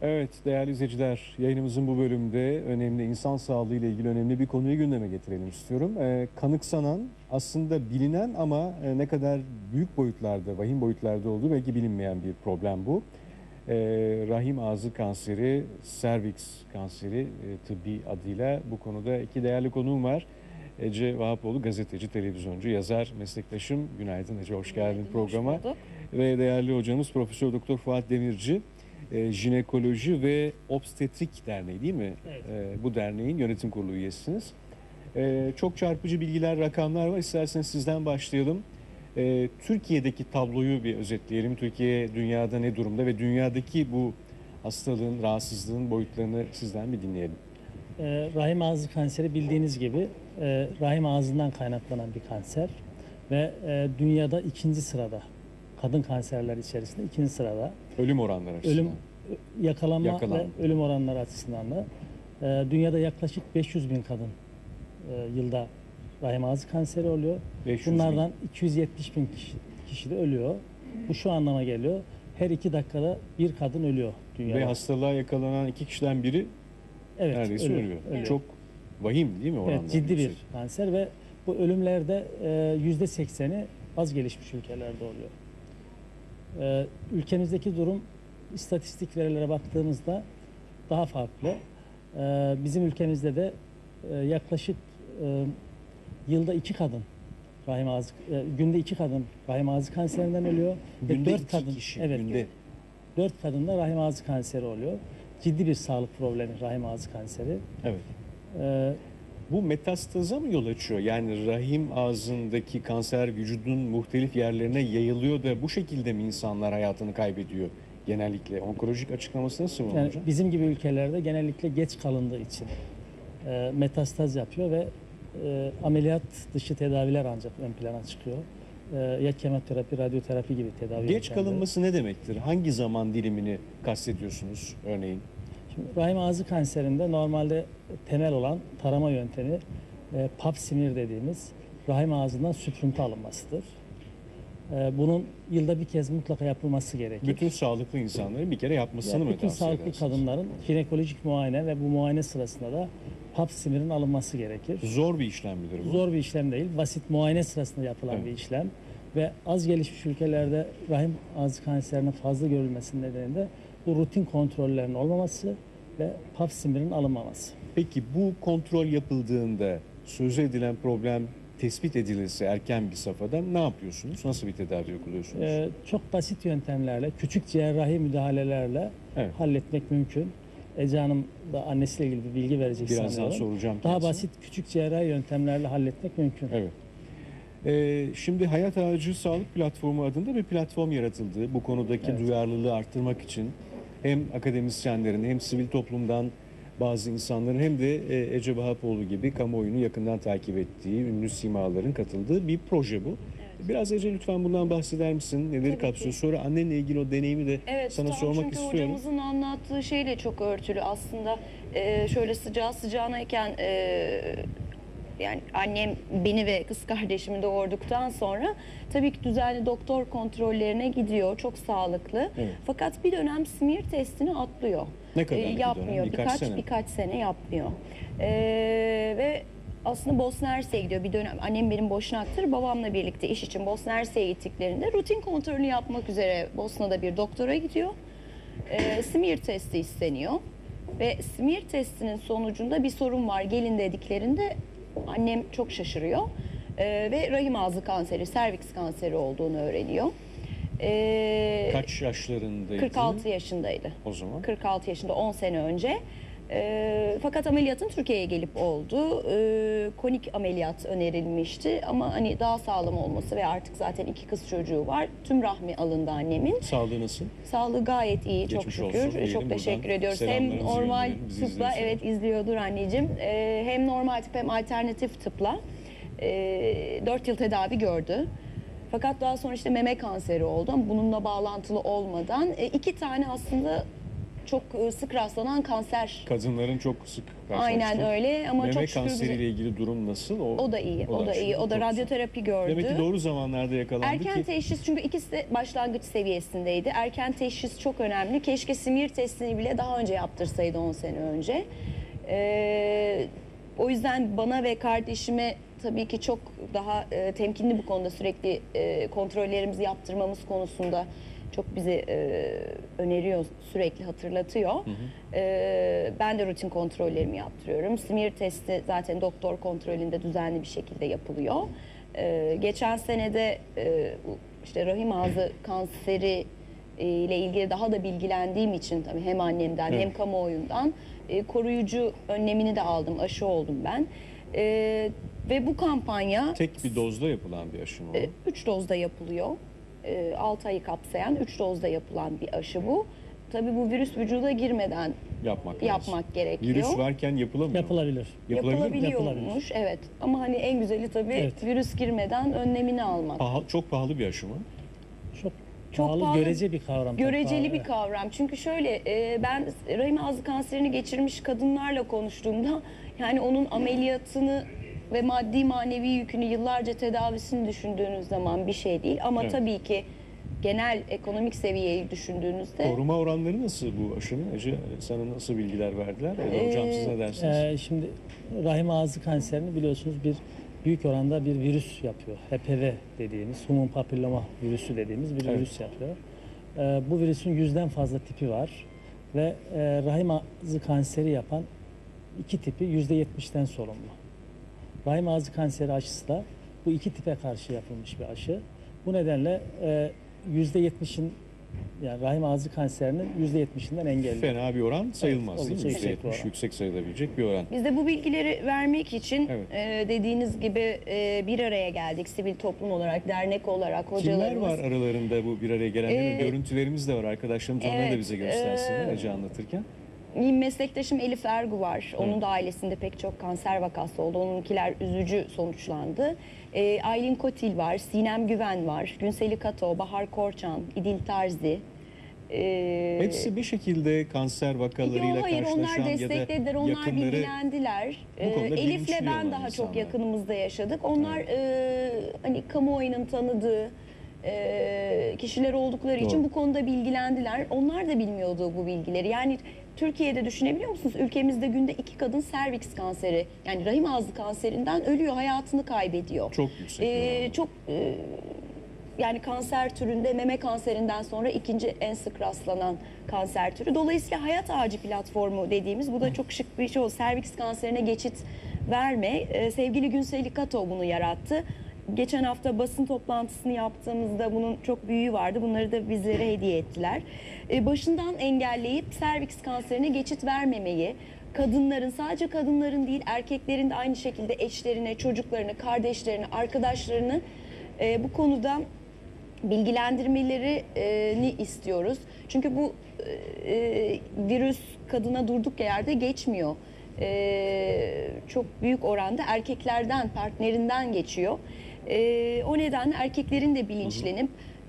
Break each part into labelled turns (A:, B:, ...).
A: Evet değerli izleyiciler, yayınımızın bu bölümde önemli insan sağlığı ile ilgili önemli bir konuyu gündeme getirelim istiyorum. Kanıksanan, aslında bilinen ama ne kadar büyük boyutlarda, vahim boyutlarda olduğu belki bilinmeyen bir problem bu. Rahim ağzı kanseri, serviks kanseri tıbbi adıyla bu konuda iki değerli konuğum var. Ece Vahapoğlu, gazeteci, televizyoncu, yazar, meslektaşım. Günaydın Ece, hoş geldin programa. Ve değerli hocamız Profesör Doktor Fuat Demirci, Jinekoloji ve Obstetrik Derneği değil mi?
B: Evet.
A: Bu derneğin yönetim kurulu üyesisiniz. Çok çarpıcı bilgiler, rakamlar var. İsterseniz sizden başlayalım. Türkiye'deki tabloyu bir özetleyelim. Türkiye dünyada ne durumda ve dünyadaki bu hastalığın, rahatsızlığın boyutlarını sizden bir dinleyelim.
B: Rahim ağzı kanseri bildiğiniz gibi rahim ağzından kaynaklanan bir kanser ve dünyada ikinci sırada, kadın kanserler içerisinde ikinci sırada.
A: Ölüm oranları açısından.
B: Yakalanma ve ölüm oranları açısından da dünyada yaklaşık 500 bin kadın yılda rahim ağzı kanseri oluyor. Bunlardan 270 bin kişi de ölüyor. Bu şu anlama geliyor: her 2 dakikada bir kadın ölüyor dünyada.
A: Ve hastalığa yakalanan 2 kişiden biri neredeyse ölüyor.
B: Evet.
A: Çok vahim değil mi oranlar?
B: Evet, ciddi bir kanser ve bu ölümlerde %80'i az gelişmiş ülkelerde oluyor. Ülkemizdeki durum istatistik verilere baktığımızda daha farklı. Bizim ülkemizde de yaklaşık yılda 2 kadın rahim ağzı, günde 2 kadın rahim ağzı kanserinden ölüyor.
A: Günde
B: 4
A: 2
B: kadın,
A: kişi,
B: evet,
A: günde.
B: 4 kadında rahim ağzı kanseri oluyor. Ciddi bir sağlık problemi rahim ağzı kanseri.
A: Evet. Bu metastaza mı yol açıyor? Yani rahim ağzındaki kanser vücudun muhtelif yerlerine yayılıyor da bu şekilde mi insanlar hayatını kaybediyor genellikle? Onkolojik açıklaması nasıl
B: Yani
A: hocam?
B: bizim gibi ülkelerde genellikle geç kalındığı için metastaz yapıyor ve ameliyat dışı tedaviler ancak ön plana çıkıyor. Ya kemoterapi, radyoterapi gibi tedavi
A: Geç
B: yöntemleri.
A: kalınması ne demektir? Hangi zaman dilimini kastediyorsunuz örneğin?
B: Şimdi, rahim ağzı kanserinde normalde temel olan tarama yöntemi pap smear dediğimiz rahim ağzından süprüntü alınmasıdır. Bunun yılda bir kez mutlaka yapılması gerekir.
A: Bütün sağlıklı insanların bir kere yapmasını mı
B: Bütün
A: tavsiye
B: sağlıklı
A: edersiniz?
B: jinekolojik muayenek muayene ve bu muayene sırasında da pap smear'ın alınması gerekir.
A: Zor bir işlem midir bu?
B: Zor bir işlem değil. Basit muayene sırasında yapılan
A: Evet.
B: bir işlem ve az gelişmiş ülkelerde rahim ağzı kanserinin fazla görülmesinin nedeni de bu rutin kontrollerin olmaması ve pap smear'ın alınmaması.
A: Peki bu kontrol yapıldığında sözü edilen problem tespit edilirse erken bir safhada ne yapıyorsunuz? Nasıl bir tedavi uyguluyorsunuz?
B: Çok basit yöntemlerle, küçük cerrahi müdahalelerle
A: Evet.
B: halletmek mümkün. Ece Hanım da annesiyle ilgili bir bilgi verecek
A: Birazdan
B: sanıyorum.
A: soracağım
B: Daha
A: kendisine.
B: basit, küçük cerrahi yöntemlerle halletmek mümkün.
A: Evet. Şimdi Hayat Ağacı Sağlık Platformu adında bir platform yaratıldı. Bu konudaki
B: Evet.
A: duyarlılığı arttırmak için hem akademisyenlerin hem sivil toplumdan bazı insanların hem de Ece Vahapoğlu gibi kamuoyunu yakından takip ettiği ünlü simaların katıldığı bir proje bu.
C: Evet.
A: Biraz Ece lütfen bundan bahseder misin? Neleri
C: Tabii
A: kapsıyor?
C: ki.
A: Sonra annenle ilgili o deneyimi de sana
C: tam
A: sormak
C: çünkü
A: istiyorum.
C: hocamızın anlattığı şeyle çok örtülü aslında. Şöyle sıcağı sıcağınayken yani annem beni ve kız kardeşimi doğurduktan sonra tabii ki düzenli doktor kontrollerine gidiyor. Çok sağlıklı.
A: Evet.
C: Fakat bir dönem smear testini atlıyor.
A: Ne kadar bir
C: yapmıyor.
A: dönem? Birkaç sene.
C: Birkaç sene yapmıyor. Ve aslında Bosna Hersek'e gidiyor. Bir dönem annem benim Boşnaktır. Babamla birlikte iş için Bosna Hersek'e gittiklerinde rutin kontrolünü yapmak üzere Bosna'da bir doktora gidiyor. Smear testi isteniyor. Ve smear testinin sonucunda bir sorun var gelin dediklerinde annem çok şaşırıyor. Ve rahim ağzı kanseri, serviks kanseri olduğunu öğreniyor.
A: Kaç yaşlarındaydı?
C: 46 yaşındaydı.
A: O zaman.
C: 46 yaşında 10 sene önce. Fakat ameliyatın Türkiye'ye gelip oldu. Konik ameliyat önerilmişti ama hani daha sağlam olması ve artık zaten 2 kız çocuğu var. Tüm rahmi alındı annemin.
A: Sağlığı nasıl?
C: Sağlığı gayet iyi, çok
A: Geçmiş olsun
C: şükür.
A: diyelim
C: Çok teşekkür
A: buradan.
C: ediyoruz. Hem
A: Selamlarımızı
C: normal
A: gönderelim, bizi
C: tıpla,
A: izliyorsa.
C: evet izliyordur anneciğim. Hem normal tıp hem alternatif tıpla 4 yıl tedavi gördü. Fakat daha sonra işte meme kanseri oldu ama bununla bağlantılı olmadan 2 tane aslında çok sık rastlanan kanser.
A: Kadınların çok sık
C: Aynen
A: karşılaştığı.
C: öyle ama
A: Meme
C: çok şükür
A: kanseriyle ilgili durum nasıl?
C: o da iyi. O da iyi.
A: aşılıyor.
C: O da
A: Çok
C: radyoterapi gördü.
A: güzel. Demek ki doğru zamanlarda yakalandı
C: Erken
A: ki.
C: teşhis, çünkü ikisi de başlangıç seviyesindeydi. Erken teşhis çok önemli. Keşke simir testini bile daha önce yaptırsaydı 10 sene önce. O yüzden bana ve kardeşime tabii ki çok daha temkinli bu konuda, sürekli kontrollerimizi yaptırmamız konusunda çok bizi öneriyor, sürekli hatırlatıyor. Ben de rutin kontrollerimi yaptırıyorum. Simir testi zaten doktor kontrolünde düzenli bir şekilde yapılıyor. Geçen senede işte rahim ağzı kanseri ile ilgili daha da bilgilendiğim için tabii hem annemden hem kamuoyundan koruyucu önlemini de aldım, aşı oldum ben. Ve bu kampanya
A: Tek bir dozda yapılan bir aşı mı o?
C: 3 dozda yapılıyor. 6 ayı kapsayan 3 dozda yapılan bir aşı bu. Tabii bu virüs vücuda girmeden yapmak gerekiyor.
A: Virüs varken yapılamıyor.
B: Yapılabilir.
C: Yapılabiliyormuş, evet. Ama hani en güzeli tabii
B: Evet.
C: virüs girmeden önlemini almak.
A: Çok pahalı bir aşı mı?
B: Çok pahalı,
C: pahalı,
B: görece bir kavram.
C: Göreceli
B: Çok
C: bir
B: pahalı,
C: kavram. Çünkü şöyle, ben rahim ağzı kanserini geçirmiş kadınlarla konuştuğumda yani onun ameliyatını ve maddi manevi yükünü, yıllarca tedavisini düşündüğünüz zaman bir şey değil. Ama
A: Evet.
C: tabii ki genel ekonomik seviyeyi düşündüğünüzde
A: Koruma oranları nasıl bu aşının? Ece, sana nasıl bilgiler verdiler? Hocam siz ne dersiniz?
B: Şimdi rahim ağzı kanserini biliyorsunuz büyük oranda bir virüs yapıyor. HPV dediğimiz, human papilloma virüsü dediğimiz bir
A: Evet.
B: virüs yapıyor. Bu virüsün 100'den fazla tipi var ve rahim ağzı kanseri yapan iki tipi %70'den sorumlu. Rahim ağzı kanseri aşısı da bu iki tipe karşı yapılmış bir aşı. Bu nedenle %70'in, yani rahim ağzı kanserinin %70'inden engelliyor.
A: Fena bir oran sayılmaz
B: Evet,
A: değil mi?
B: oldukça yüksek bir
A: %70
B: oran.
A: yüksek sayılabilecek bir oran.
C: biz de bu bilgileri vermek için
A: Evet.
C: dediğiniz gibi bir araya geldik. Sivil toplum olarak, dernek olarak
A: Kimler
C: hocalarımız.
A: var aralarında bu bir araya gelenlerin?
C: Ee,
A: Görüntülerimiz de var. Arkadaşlarımız onları da
C: evet,
A: bize göstersinler Ece anlatırken.
C: Meslektaşım Elif Ergu var. Onun da ailesinde pek çok kanser vakası oldu. Onunkiler üzücü sonuçlandı. Aylin Kotil var, Sinem Güven var, Günseli Kato, Bahar Korçan, İdil Tarzi.
A: Hepsi bir şekilde kanser vakalarıyla
C: Hayır, onlar
A: karşılaşan ya da
C: desteklediler, onlar
A: yakınları
C: bilgilendiler.
A: bu konuda
C: Elif'le
A: bilinçli
C: ben
A: olan
C: daha çok
A: insanlar.
C: yakınımızda yaşadık. Onlar hani kamuoyunun tanıdığı kişiler oldukları için
A: Doğru.
C: bu konuda bilgilendiler. Onlar da bilmiyordu bu bilgileri. Yani Türkiye'de düşünebiliyor musunuz? Ülkemizde günde 2 kadın serviks kanseri, yani rahim ağzı kanserinden ölüyor, hayatını kaybediyor.
A: çok yüksek bir oran.
C: Çok yani kanser türünde meme kanserinden sonra ikinci en sık rastlanan kanser türü. Dolayısıyla Hayat Ağacı platformu dediğimiz, bu da çok şık bir şey oldu. Serviks kanserine geçit verme. Sevgili Günseli Kato bunu yarattı. Geçen hafta basın toplantısını yaptığımızda bunun çok büyüğü vardı. Bunları da bizlere hediye ettiler. Başından engelleyip serviks kanserine geçit vermemeyi, kadınların, sadece kadınların değil erkeklerin de aynı şekilde eşlerine, çocuklarını, kardeşlerini, arkadaşlarını bu konuda bilgilendirmelerini istiyoruz. Çünkü bu virüs kadına durduk yerde geçmiyor. Çok büyük oranda erkeklerden, partnerinden geçiyor. O nedenle erkeklerin de bilinçlenip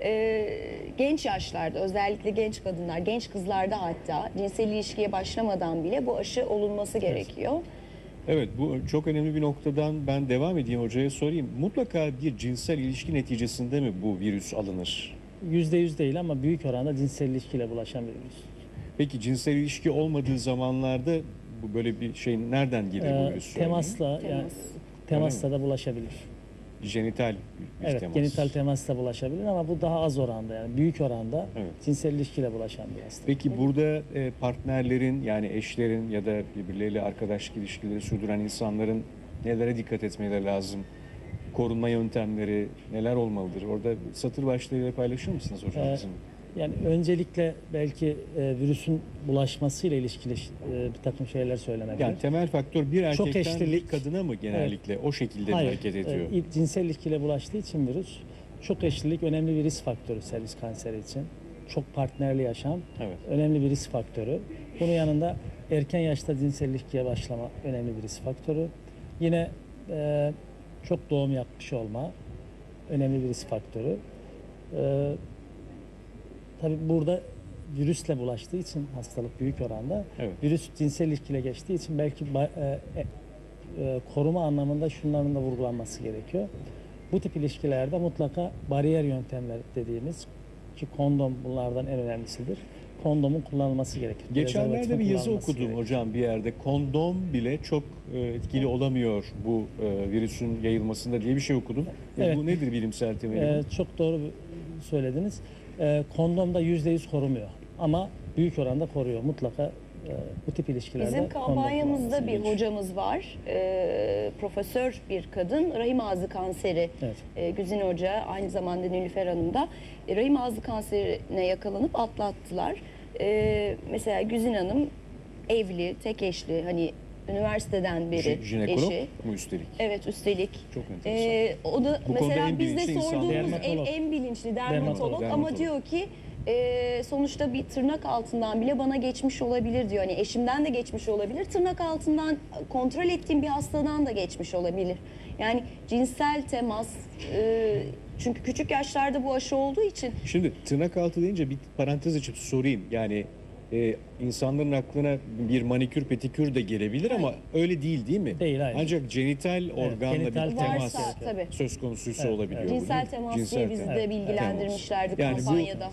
C: genç yaşlarda, özellikle genç kadınlar, genç kızlarda hatta cinsel ilişkiye başlamadan bile bu aşı olunması gerekiyor.
A: Evet, bu çok önemli bir noktadan ben devam edeyim, hocaya sorayım. Mutlaka bir cinsel ilişki neticesinde mi bu virüs alınır?
B: %100 değil ama büyük oranda cinsel ilişkiyle bulaşan bir virüs.
A: Peki cinsel ilişki olmadığı zamanlarda bu böyle bir şey nereden gelir bu virüs?
B: Temasla, yani temasla da bulaşabilir.
A: Jenital bir
B: Evet,
A: temas.
B: genital temasla bulaşabilir ama bu daha az oranda, yani büyük oranda
A: Evet.
B: cinsel ilişkiyle bulaşan bir hastalık.
A: Peki burada partnerlerin, yani eşlerin ya da birbirleriyle arkadaşlık ilişkileri sürdüren insanların nelere dikkat etmeleri lazım? Korunma yöntemleri neler olmalıdır? Orada satır başlarıyla paylaşır mısınız hocam bizim?
B: Yani öncelikle belki virüsün bulaşmasıyla ilişkili bir takım şeyler söylenebilir.
A: Yani temel faktör bir
B: Çok
A: erkekten bir
B: eşlilik.
A: kadına mı genellikle o şekilde mi
B: Hayır,
A: hareket ediyor?
B: cinsel ilişkiyle bulaştığı için virüs, çok eşlilik önemli bir risk faktörü servis kanseri için. Çok partnerli yaşam
A: Evet.
B: önemli bir risk faktörü. Bunun yanında erken yaşta cinsel ilişkiye başlama önemli bir risk faktörü. Yine çok doğum yapmış olma önemli bir risk faktörü. Tabii burada virüsle bulaştığı için hastalık büyük oranda.
A: Evet.
B: Virüs cinsel ilişkiyle geçtiği için belki koruma anlamında şunların da vurgulanması gerekiyor. Bu tip ilişkilerde mutlaka bariyer yöntemler dediğimiz, ki kondom bunlardan en önemlisidir. Kondomun kullanılması gerekir.
A: Geçenlerde
B: Prezervatifin
A: bir yazı
B: kullanılması
A: okudum
B: gerekir.
A: hocam bir yerde. Kondom bile çok etkili olamıyor bu virüsün yayılmasında diye bir şey okudum.
B: Evet.
A: Bu nedir bilimsel temeli?
B: Çok doğru söylediniz. Kondom da %100 korumuyor ama büyük oranda koruyor. Mutlaka bu tip ilişkilerde
C: Bizim
B: kondom
C: kampanyamızda
B: kullanılması
C: bir
B: gerekiyor.
C: hocamız var. Profesör bir kadın. Rahim ağzı kanseri.
B: Evet.
C: Güzin Hoca, aynı zamanda Nilüfer Hanım da rahim ağzı kanserine yakalanıp atlattılar. Mesela Güzin Hanım evli, tek eşli, hani üniversiteden beri
A: Jinekolog
C: eşi.
A: mu üstelik?
C: Evet, üstelik.
A: Çok enteresan.
C: O da
A: Bu konuda
C: mesela
A: en
C: bizde
A: bilinçli insan
C: sorduğumuz
B: Dermatolog.
C: en bilinçli
B: Dermatolog.
C: ama diyor ki sonuçta bir tırnak altından bile bana geçmiş olabilir diyor. Hani eşimden de geçmiş olabilir. Tırnak altından kontrol ettiğim bir hastadan da geçmiş olabilir. Yani cinsel temas çünkü küçük yaşlarda bu aşı olduğu için
A: Şimdi tırnak altı deyince bir parantez açıp sorayım. Yani insanların aklına bir manikür petikür de gelebilir ama öyle değil mi?
B: Değil, hayır.
A: Ancak genital organla
B: genital
A: bir
B: temas
A: temas
C: varsa tabii.
A: söz konusuysa
B: Evet,
A: olabiliyor.
B: evet.
A: bu,
C: cinsel
A: değil mi?
C: temas
A: Cinsel
C: diye bizi
A: temas.
C: de bilgilendirmişlerdi
A: Yani bu,
C: kampanyada.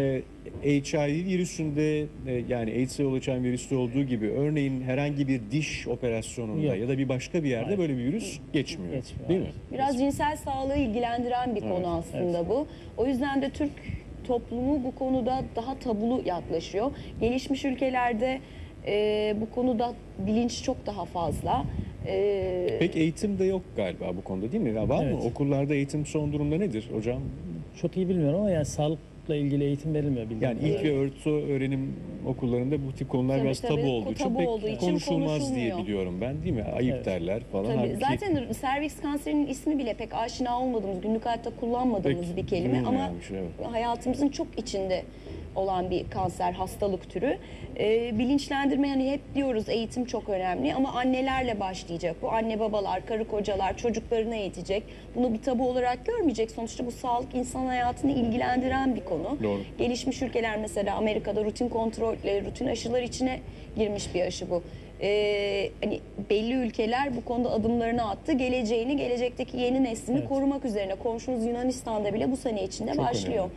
A: HIV virüsünde yani AIDS'e yol açan virüste olduğu gibi örneğin herhangi bir diş operasyonunda
B: Yok.
A: ya da bir başka bir yerde
B: Hayır.
A: böyle bir virüs geçmiyor.
B: Geçmiyor,
A: Değil mi?
B: hayır.
C: Biraz cinsel sağlığı ilgilendiren bir konu aslında bu. O yüzden de Türk toplumu bu konuda daha tabulu yaklaşıyor. Gelişmiş ülkelerde bu konuda bilinç çok daha fazla.
A: Pek eğitim de yok galiba bu konuda değil mi? Ya var mı?
B: Evet.
A: Okullarda eğitim son durumda nedir hocam?
B: Çok iyi bilmiyorum ama yani sağlıkla ilgili eğitim verilmiyor bildiğim
A: Yani ilk
B: kadarıyla.
A: ve orta öğrenim okullarında bu tip konular
C: Tabii,
A: biraz
C: tabii.
A: tabu olduğu için
C: Tabu
A: pek
C: olduğu için
A: konuşulmaz diye
C: konuşulmuyor.
A: biliyorum ben değil mi? Ayıp
B: Evet.
A: derler falan.
C: Tabii.
A: Halbuki
C: Zaten serviks kanserinin ismi bile pek aşina olmadığımız, günlük hayatta kullanmadığımız
A: pek
C: bir kelime ama
A: duyulmayan bir şey, evet.
C: hayatımızın çok içinde olan bir kanser hastalık türü. Bilinçlendirme, hani hep diyoruz eğitim çok önemli ama annelerle başlayacak. Bu anne babalar, karı kocalar çocuklarını eğitecek. Bunu bir tabu olarak görmeyecek. Sonuçta bu sağlık insan hayatını ilgilendiren bir konu.
A: Doğru.
C: Gelişmiş ülkeler mesela Amerika'da rutin kontrol, rutin aşılar içine girmiş bir aşı bu. Hani belli ülkeler bu konuda adımlarını attı. Gelecekteki yeni neslini
B: Evet.
C: korumak üzerine. Komşumuz Yunanistan'da bile bu sene içinde
A: Çok
C: başlıyor.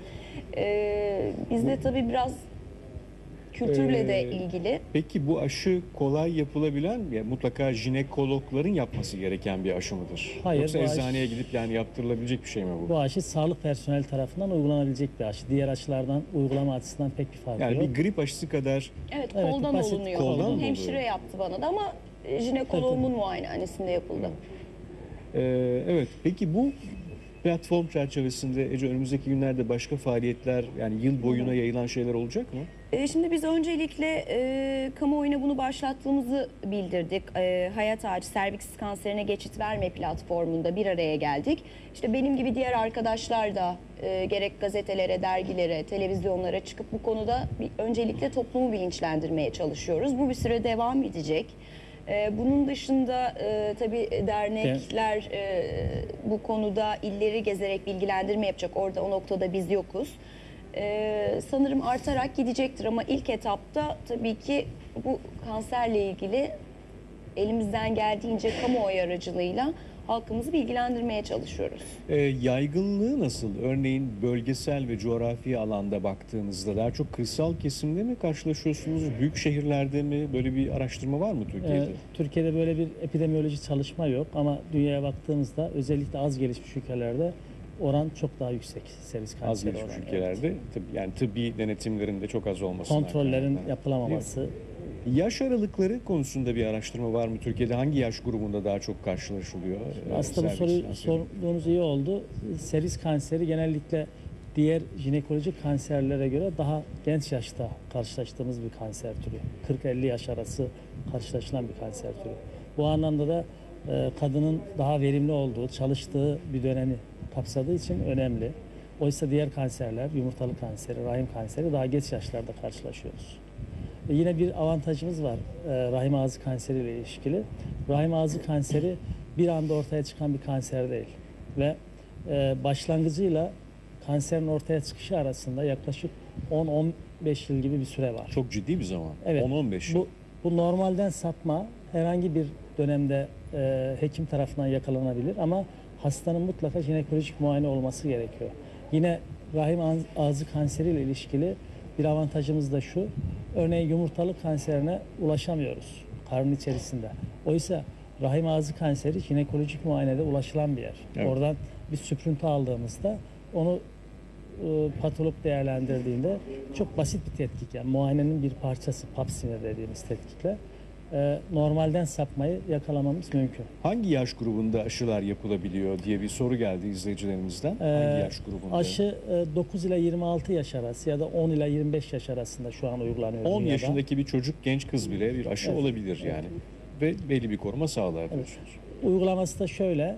C: Bizde tabii biraz kültürle de ilgili.
A: Peki bu aşı kolay yapılabilen, ya mutlaka jinekologların yapması gereken bir aşı mıdır?
B: Hayır,
A: Yoksa
B: bu aşı-
A: eczaceye gidip yani yaptırılabilecek bir şey mi bu?
B: Bu aşı sağlık personeli tarafından uygulanabilecek bir aşı. Diğer aşılardan uygulama açısından pek bir farkı
A: Yani
B: yok.
A: bir grip aşısı kadar
C: Evet,
B: Evet,
C: koldan
B: basit
C: olunuyor.
A: koldan mı
C: Hemşire
A: oluyor?
C: yaptı bana da ama jinekoloğumun muayenehanesinde yapıldı.
A: evet. Peki bu platform çerçevesinde Ece önümüzdeki günlerde başka faaliyetler yani yıl boyuna yayılan şeyler olacak mı?
C: Şimdi biz öncelikle kamuoyuna bunu başlattığımızı bildirdik. Hayat Ağacı Serviks Kanserine Geçit Verme platformunda bir araya geldik. İşte benim gibi diğer arkadaşlar da gerek gazetelere, dergilere, televizyonlara çıkıp bu konuda öncelikle toplumu bilinçlendirmeye çalışıyoruz. Bu bir süre devam edecek. Bunun dışında tabii dernekler bu konuda illeri gezerek bilgilendirme yapacak. Orada o noktada biz yokuz. Sanırım artarak gidecektir ama ilk etapta tabii ki bu kanserle ilgili elimizden geldiğince kamuoyu aracılığıyla halkımızı bilgilendirmeye çalışıyoruz.
A: Yaygınlığı nasıl? Örneğin bölgesel ve coğrafi alanda baktığınızda daha çok kırsal kesimde mi karşılaşıyorsunuz? Büyük şehirlerde mi? Böyle bir araştırma var mı Türkiye'de?
B: Türkiye'de böyle bir epidemiyoloji çalışma yok ama dünyaya baktığımızda özellikle az gelişmiş ülkelerde oran çok daha yüksek servis
A: Az
B: kanseri
A: gelişmiş
B: oranı.
A: ülkelerde yani tıbbi denetimlerin de çok az olması.
B: Kontrollerin yapılamaması.
A: Yaş aralıkları konusunda bir araştırma var mı Türkiye'de? Hangi yaş grubunda daha çok karşılaşılıyor?
B: Aslında bu
A: servis
B: soruyu
A: kanseri?
B: sorduğunuz iyi oldu. Servis kanseri genellikle diğer jinekolojik kanserlere göre daha genç yaşta karşılaştığımız bir kanser türü. 40-50 yaş arası karşılaşılan bir kanser türü. Bu anlamda da kadının daha verimli olduğu, çalıştığı bir dönemi kapsadığı için önemli. Oysa diğer kanserler, yumurtalık kanseri, rahim kanseri daha geç yaşlarda karşılaşıyoruz. Yine bir avantajımız var rahim ağzı kanseri ile ilişkili. Rahim ağzı kanseri bir anda ortaya çıkan bir kanser değil. Ve başlangıcıyla kanserin ortaya çıkışı arasında yaklaşık 10-15 yıl gibi bir süre var.
A: Çok ciddi bir zaman.
B: Evet.
A: 10-15 yıl.
B: Bu normalden sapma herhangi bir dönemde hekim tarafından yakalanabilir ama hastanın mutlaka jinekolojik muayene olması gerekiyor. Yine rahim ağzı kanseriyle ilişkili bir avantajımız da şu. Örneğin yumurtalık kanserine ulaşamıyoruz karnın içerisinde. Oysa rahim ağzı kanseri jinekolojik muayenede ulaşılan bir yer.
A: Evet.
B: Oradan bir süprüntü aldığımızda onu patolog değerlendirdiğinde çok basit bir tetkik, yani muayenenin bir parçası, pap smear dediğimiz tetkikle normalden sapmayı yakalamamız mümkün.
A: Hangi yaş grubunda aşılar yapılabiliyor diye bir soru geldi izleyicilerimizden. Hangi yaş grubunda?
B: Aşı 9 ila 26 yaş arası ya da 10 ila 25 yaş arasında şu an uygulanıyor
A: 10
B: dünyada.
A: yaşındaki bir çocuk, genç kız bile bir aşı
B: Evet.
A: olabilir yani. Ve belli bir koruma sağlar diyorsunuz.
B: Uygulaması da şöyle,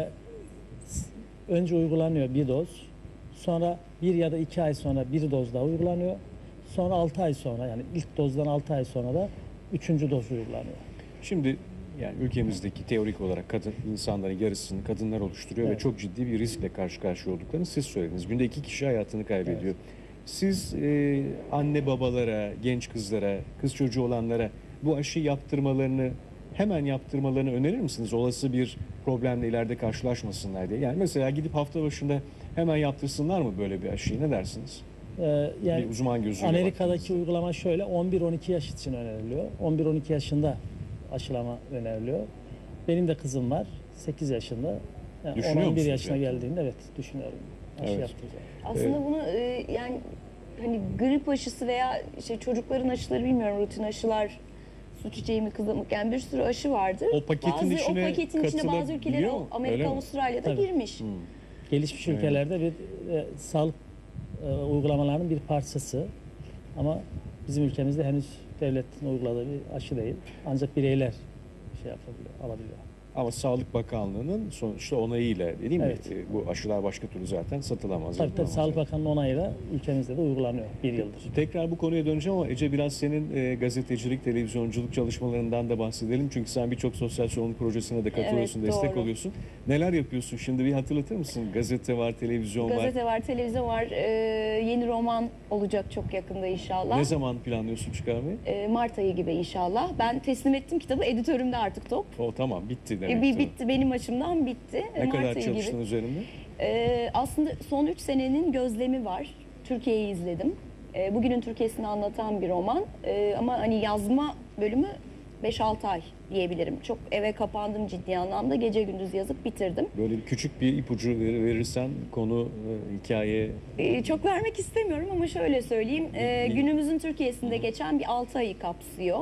B: önce uygulanıyor bir doz, sonra 1 ya da 2 ay sonra bir doz daha uygulanıyor, sonra 6 ay sonra, yani ilk dozdan 6 ay sonra da 3. doz uygulanıyor.
A: Şimdi yani ülkemizdeki teorik olarak kadın insanların yarısını kadınlar oluşturuyor
B: Evet.
A: ve çok ciddi bir riskle karşı karşıya olduklarını siz söylediniz. Günde 2 kişi hayatını kaybediyor. Siz anne babalara, genç kızlara, kız çocuğu olanlara bu aşı yaptırmalarını hemen yaptırmalarını önerir misiniz? Olası bir problemle ileride karşılaşmasınlar diye. Yani mesela gidip hafta başında hemen yaptırsınlar mı böyle bir aşıyı? Ne dersiniz?
B: Yani
A: Bir uzman gözüyle
B: Amerika'daki
A: baktığınızda.
B: uygulama şöyle, 11-12 yaş için öneriliyor. 11-12 yaşında aşılama öneriliyor. Benim de kızım var, 8 yaşında. Yani
A: Düşünüyor
B: 11
A: musunuz
B: yaşına
A: yani?
B: geldiğinde evet düşünüyorum. Aşı
A: Evet.
B: yaptıracağım.
C: Aslında bunu yani hani grip aşısı veya işte çocukların aşıları bilmiyorum, rutin aşılar, su çiçeği mi kızamık, yani bir sürü aşı vardır.
A: O paketin içine
C: o paketin içine bazı ülkeler,
A: katılabiliyor mu? Öyle
C: Amerika,
A: mi?
C: Avustralya'da
B: Tabii.
C: girmiş.
B: Gelişmiş
A: Evet.
B: ülkelerde bir sağlık uygulamalarının bir parçası. Ama bizim ülkemizde henüz devletin uyguladığı bir aşı değil. Ancak bireyler şey yapabiliyor, alabiliyor.
A: Ama Sağlık Bakanlığı'nın sonuçta onayıyla değil mi?
B: Evet.
A: Bu aşılar başka türlü zaten satılamaz.
B: Tabii
A: yapılamaz.
B: Sağlık Bakanlığı onayıyla ülkemizde de uygulanıyor bir yıldır.
A: Tekrar bu konuya döneceğim ama Ece biraz senin gazetecilik, televizyonculuk çalışmalarından da bahsedelim. Çünkü sen birçok sosyal sorumluluk projesine de katılıyorsun,
C: Evet,
A: destek
C: doğru.
A: oluyorsun. Neler yapıyorsun şimdi bir hatırlatır mısın? Gazete var, televizyon var.
C: Gazete var, televizyon var. Yeni roman olacak çok yakında inşallah.
A: Ne zaman planlıyorsun çıkarmayı?
C: Mart ayı gibi inşallah. Ben teslim ettim kitabı. Editörümde artık top.
A: O tamam bitti demek.
C: Bitti, benim açımdan bitti.
A: Ne
C: Mart
A: kadar
C: ayı
A: çalıştın
C: gibi.
A: üzerinde?
C: Aslında son 3 senenin gözlemi var. Türkiye'yi izledim. Bugünün Türkiye'sini anlatan bir roman. Ama hani yazma bölümü 5-6 ay diyebilirim. Çok eve kapandım ciddi anlamda. Gece gündüz yazıp bitirdim.
A: Böyle bir küçük bir ipucu verirsen konu, hikaye.
C: Çok vermek istemiyorum ama şöyle söyleyeyim. Günümüzün Türkiye'sinde geçen bir 6 ayı kapsıyor.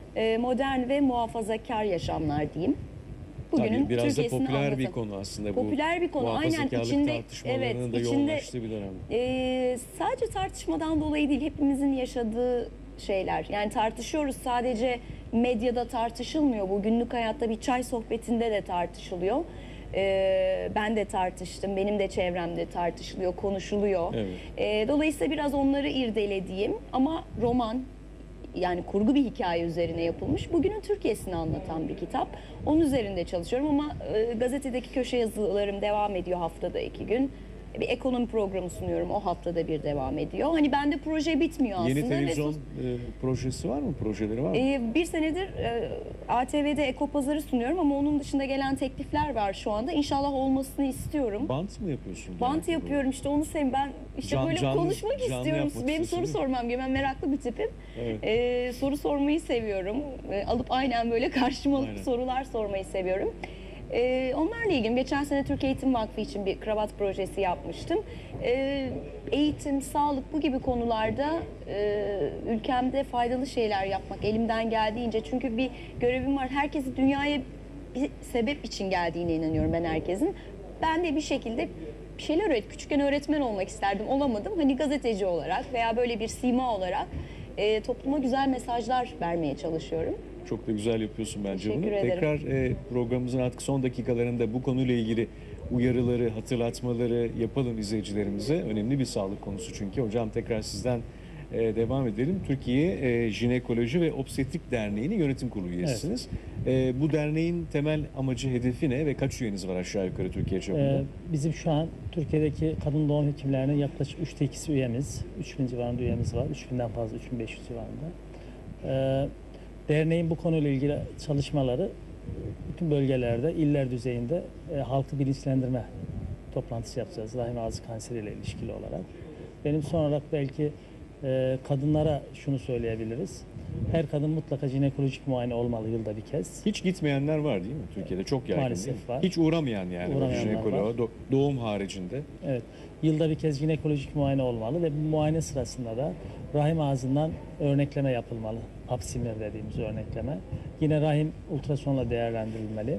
C: Modern ve muhafazakar yaşamlar diyeyim.
A: Tabii biraz da
C: Türkiye'sini
A: popüler bir
C: anlatan.
A: konu aslında bu.
C: Popüler bir konu. Aynen
A: Muhafazakarlık
C: içinde
A: tartışmalarının da
C: içinde
A: yoğunlaştığı bir dönem.
C: sadece tartışmadan dolayı değil, hepimizin yaşadığı şeyler. Yani tartışıyoruz, sadece medyada tartışılmıyor. Bu günlük hayatta bir çay sohbetinde de tartışılıyor. Ben de tartıştım, benim de çevremde tartışılıyor, konuşuluyor.
A: Evet.
C: Dolayısıyla biraz onları irdelediğim ama roman, yani kurgu bir hikaye üzerine yapılmış, bugünün Türkiye'sini anlatan bir kitap. Onun üzerinde çalışıyorum ama gazetedeki köşe yazılarım devam ediyor haftada 2 gün. Bir ekonomi programı sunuyorum, o haftada bir devam ediyor. Hani bende proje bitmiyor aslında.
A: Yeni televizyon projesi var mı? Projeleri var mı?
C: Bir senedir ATV'de Ekopazar'ı sunuyorum ama onun dışında gelen teklifler var şu anda. İnşallah olmasını istiyorum.
A: Bant mı yapıyorsun?
C: Bant yapıyorum işte, onu sevim. Ben işte böyle konuşmak istiyorum.
A: yapmak
C: Benim
A: istiyorsun,
C: soru
A: değil mi?
C: sormam gibi. Ben meraklı bir tipim.
A: Evet.
C: Soru sormayı seviyorum. Alıp aynen böyle karşıma alıp
A: Aynen.
C: sorular sormayı seviyorum. Onlarla ilgili geçen sene Türkiye Eğitim Vakfı için bir kravat projesi yapmıştım. Eğitim, sağlık bu gibi konularda ülkemde faydalı şeyler yapmak elimden geldiğince. Çünkü bir görevim var. Herkesi dünyaya bir sebep için geldiğine inanıyorum ben herkesin. Ben de bir şekilde bir şeyler küçükken öğretmen olmak isterdim, olamadım. Hani gazeteci olarak veya böyle bir sima olarak topluma güzel mesajlar vermeye çalışıyorum.
A: Çok da güzel yapıyorsun bence bunu.
C: Teşekkür ederim.
A: Tekrar programımızın artık son dakikalarında bu konuyla ilgili uyarıları, hatırlatmaları yapalım izleyicilerimize. Önemli bir sağlık konusu çünkü. Hocam tekrar sizden devam edelim. Türkiye Jinekoloji ve Obstetrik Derneği'nin yönetim kurulu üyesisiniz. Bu derneğin temel amacı, hedefi ne ve kaç üyeniz var aşağı yukarı Türkiye çapında?
B: Bizim şu an Türkiye'deki kadın doğum hekimlerinin yaklaşık 3'te 2'si üyemiz. 3000 civarında üyemiz var. 3000'den fazla, 3500 civarında. Derneğin bu konuyla ilgili çalışmaları bütün bölgelerde, iller düzeyinde halkı bilinçlendirme toplantısı yapacağız. Rahim ağzı kanseriyle ilişkili olarak. Benim son olarak belki kadınlara şunu söyleyebiliriz. Her kadın mutlaka jinekolojik muayene olmalı yılda bir kez.
A: Hiç gitmeyenler var değil mi Türkiye'de? Çok yaygın
B: Maalesef
A: değil mi?
B: var.
A: Hiç uğramayan yani
B: Uğramayanlar
A: jinekoloğa,
B: var.
A: doğum haricinde.
B: Evet. Yılda bir kez jinekolojik muayene olmalı ve bu muayene sırasında da rahim ağzından örnekleme yapılmalı. Pap smear dediğimiz örnekleme. Yine rahim ultrasonla değerlendirilmeli.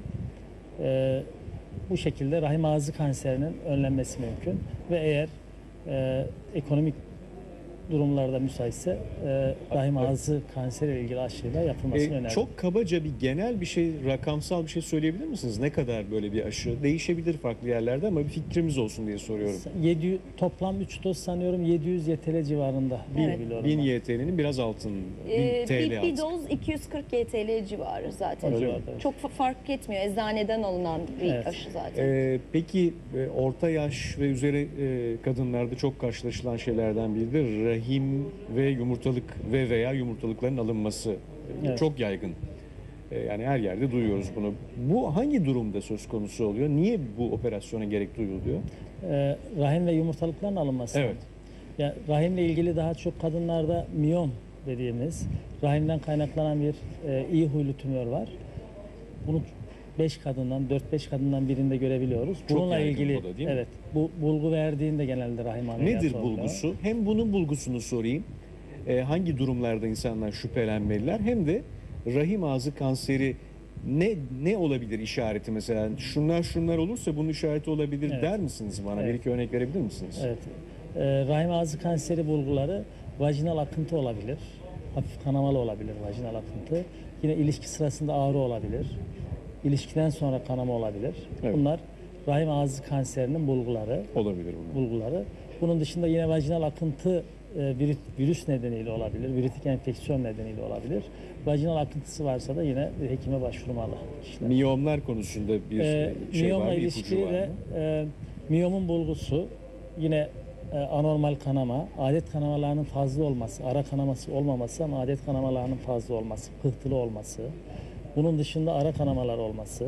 B: Bu şekilde rahim ağzı kanserinin önlenmesi mümkün ve eğer ekonomik durumlarda müsaitse rahim ağzı kanseriyle ilgili aşıyla yapılmasını öneririm.
A: Çok kabaca bir genel bir şey, rakamsal bir şey söyleyebilir misiniz? Ne kadar böyle bir aşı? Değişebilir farklı yerlerde ama bir fikrimiz olsun diye soruyorum.
B: Toplam 3 doz sanıyorum 700 YTL civarında.
C: Evet.
B: Biliyorum
A: 1000
B: ben.
A: YTL'nin biraz altın, 1000 TL
C: bir
A: altın.
C: doz 240 YTL civarı zaten.
A: Öyle mi?
C: Çok fark etmiyor. Eczaneden alınan bir
B: Evet.
C: aşı zaten.
A: Peki orta yaş ve üzeri kadınlarda çok karşılaşılan şeylerden biri de rahim ve yumurtalık veya yumurtalıkların alınması.
B: Evet.
A: Çok yaygın. Yani her yerde duyuyoruz bunu. Bu hangi durumda söz konusu oluyor? Niye bu operasyona gerek duyuluyor?
B: Rahim ve yumurtalıkların alınması.
A: Evet.
B: Ya, rahimle ilgili daha çok kadınlarda miyom dediğimiz rahimden kaynaklanan bir iyi huylu tümör var. Bunu 5 kadından, 4-5 kadından birinde görebiliyoruz.
A: Çok
B: Bununla
A: yaygın
B: ilgili
A: bu da, değil mi?
B: evet, bu bulgu verdiğinde genelde rahim ameliyatı
A: Nedir
B: oluyor.
A: bulgusu? Hem bunun bulgusunu sorayım. Hangi durumlarda insanlar şüphelenmeliler? Hem de rahim ağzı kanseri ne olabilir işareti mesela? Şunlar olursa bunun işareti olabilir
B: Evet.
A: der misiniz bana?
B: Evet.
A: Bir iki örnek verebilir misiniz?
B: Evet. Rahim ağzı kanseri bulguları vajinal akıntı olabilir. Hafif kanamalı olabilir vajinal akıntı. Yine ilişki sırasında ağrı olabilir. İlişkiden sonra kanama olabilir.
A: Evet.
B: Bunlar rahim ağzı kanserinin bulguları.
A: Olabilir bunlar.
B: Bunun dışında yine vajinal akıntı virüs nedeniyle olabilir. Virütik enfeksiyon nedeniyle olabilir. Vajinal akıntısı varsa da yine bir hekime başvurmalı kişiler.
A: Miyomlar konusunda bir şey
B: Miyomla
A: var mı?
B: ilişkili
A: İpucu var
B: de
A: mı?
B: miyomun bulgusu yine anormal kanama, adet kanamalarının fazla olması, ara kanaması olmaması ama adet kanamalarının fazla olması, pıhtılı olması, bunun dışında ara kanamalar olması,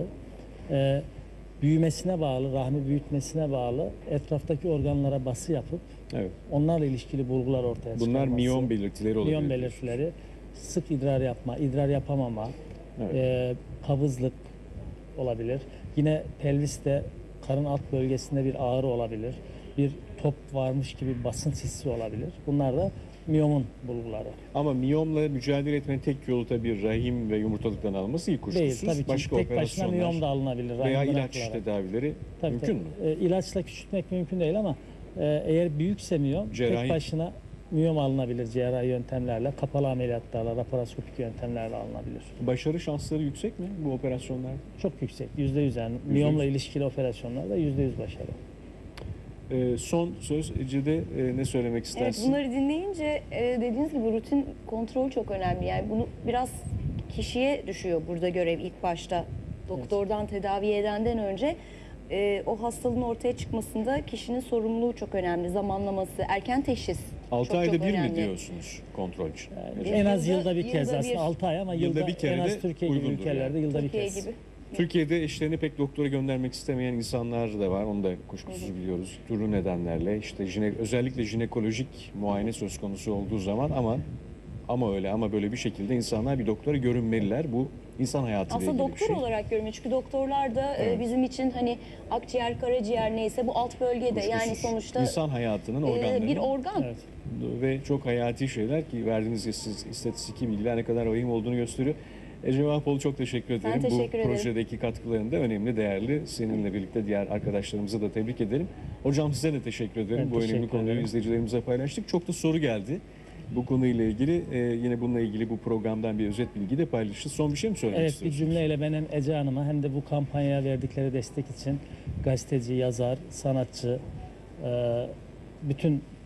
B: büyümesine bağlı, rahmi büyütmesine bağlı etraftaki organlara bası yapıp
A: Evet.
B: onlarla ilişkili bulgular ortaya çıkarması.
A: Bunlar miyom belirtileri olabilir.
B: Miyom belirtileri, sık idrar yapma, idrar yapamama,
A: Evet.
B: kabızlık olabilir. Yine pelviste, karın alt bölgesinde bir ağrı olabilir. Bir top varmış gibi basınç hissi olabilir. Bunlar da miyomun bulguları.
A: Ama miyomla mücadele etmenin tek yolu tabii rahim ve yumurtalıktan alınması iyi kuşkusuz.
B: Değil tabii ki
A: Başka
B: tek başına
A: operasyonlar
B: miyom da alınabilir.
A: veya
B: rahim
A: ilaç
B: bırakılarak.
A: tedavileri
B: Tabii,
A: mümkün
B: tabii.
A: mü?
B: İlaçla küçültmek mümkün değil ama eğer büyükse miyom
A: Cerrahi-
B: tek başına miyom alınabilir cerrahi yöntemlerle, kapalı ameliyatlarla, laparoskopik yöntemlerle alınabilir.
A: Başarı şansları yüksek mi bu operasyonlar?
B: Çok yüksek, %100 yani. Miyomla ilişkili operasyonlarda %100 başarı.
A: Son söz Ece'de ne söylemek
C: Evet,
A: istersin?
C: bunları dinleyince dediğiniz gibi rutin kontrol çok önemli. Yani bunu biraz kişiye düşüyor burada görev ilk başta. Doktordan tedavi edenden önce o hastalığın ortaya çıkmasında kişinin sorumluluğu çok önemli. Zamanlaması, erken teşhis
A: 6
C: çok
A: ayda
C: çok
A: bir mi
C: önemli.
A: diyorsunuz kontrol için?
C: Biz
B: En az
C: yılda-
B: yılda bir kez
C: yılda
B: aslında
C: bir-
B: 6 ay ama
A: Yılda
B: yılda
A: bir kere
B: en
A: de
B: az Türkiye gibi
A: uygundur
B: ülkelerde
A: yani.
B: yılda bir
C: Türkiye
B: kez.
C: gibi.
A: Türkiye'de eşlerini pek doktora göndermek istemeyen insanlar da var. Onu da kuşkusuz biliyoruz. Türlü nedenlerle işte özellikle jinekolojik muayene söz konusu olduğu zaman ama böyle bir şekilde insanlar bir doktora görünmeliler. Bu insan hayatıyla
C: Aslında
A: ilgili bir
C: doktor
A: şey.
C: olarak görmüyor. Çünkü doktorlar da
A: Evet.
C: bizim için hani akciğer, karaciğer neyse bu alt bölgede yani
A: Kuşkusuz.
C: sonuçta
A: İnsan hayatının organları.
C: bir organ.
B: Evet.
A: Ve çok hayati şeyler ki verdiğiniz istatistiki bilgiler ne kadar vahim olduğunu gösteriyor. Ece Vahpoğlu çok teşekkür ederim.
C: teşekkür
A: Bu
C: ederim.
A: projedeki katkılarında önemli, değerli. Seninle birlikte diğer arkadaşlarımızı da tebrik ederim. Hocam size de teşekkür ederim.
B: Ben
A: Bu önemli
B: teşekkür
A: konuyu
B: ederim.
A: izleyicilerimize paylaştık. Çok da soru geldi bu konuyla ilgili. Yine bununla ilgili bu programdan bir özet bilgi de paylaşırız. Son bir şey mi söylemek
B: Evet, bir
A: istiyorsunuz?
B: cümleyle ben hem Ece Hanım'a hem de bu kampanyaya verdikleri destek için gazeteci, yazar, sanatçı, bütün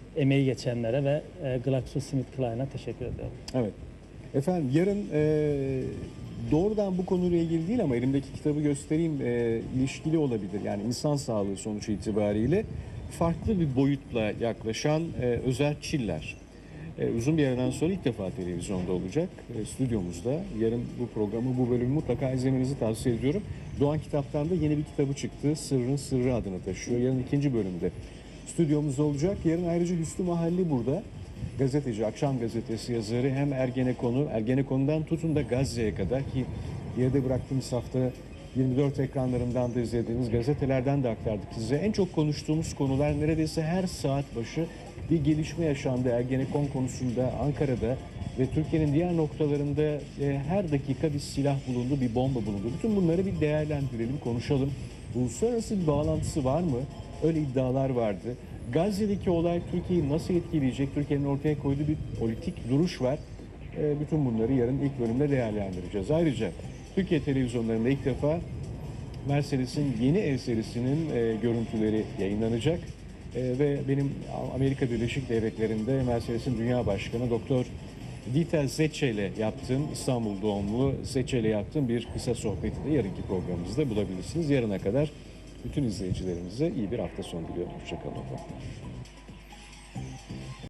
B: emeği geçenlere ve GlaxoSmithKline'a teşekkür ediyorum.
A: Evet. Efendim yarın doğrudan bu konuyla ilgili değil ama elimdeki kitabı göstereyim, ilişkili olabilir. Yani insan sağlığı sonuç itibariyle farklı bir boyutla yaklaşan Özer Çiller. Uzun bir aradan sonra ilk defa televizyonda olacak stüdyomuzda. Yarın bu programı, bu bölümü mutlaka izlemenizi tavsiye ediyorum. Doğan Kitap'tan da yeni bir kitabı çıktı. Sırrın Sırrı adını taşıyor. Yarın ikinci bölümde stüdyomuzda olacak. Yarın ayrıca Hüsnü Mahalli burada. Gazeteci, Akşam Gazetesi yazarı, hem Ergenekon'dan tutun da Gazze'ye kadar, ki geride bıraktığımız hafta 24 ekranlarından da izlediğiniz gazetelerden de aktardık size. En çok konuştuğumuz konular, neredeyse her saat başı bir gelişme yaşandı Ergenekon konusunda Ankara'da ve Türkiye'nin diğer noktalarında her dakika bir silah bulundu, bir bomba bulundu. Bütün bunları bir değerlendirelim, konuşalım. Uluslararası bir bağlantısı var mı? Öyle iddialar vardı. Gazze'deki olay Türkiye'yi nasıl etkileyecek? Türkiye'nin ortaya koyduğu bir politik duruş var. Bütün bunları yarın ilk bölümde değerlendireceğiz. Ayrıca Türkiye televizyonlarında ilk defa Mercedes'in yeni ev serisinin görüntüleri yayınlanacak. Ve benim Amerika Birleşik Devletleri'nde Mercedes'in Dünya Başkanı Doktor Dieter Zetsche ile yaptığım, İstanbul doğumlu Zetsche ile yaptığım bir kısa sohbeti de yarınki programımızda bulabilirsiniz. Yarına kadar bütün izleyicilerimize iyi bir hafta sonu diliyorum. Hoşçakalın.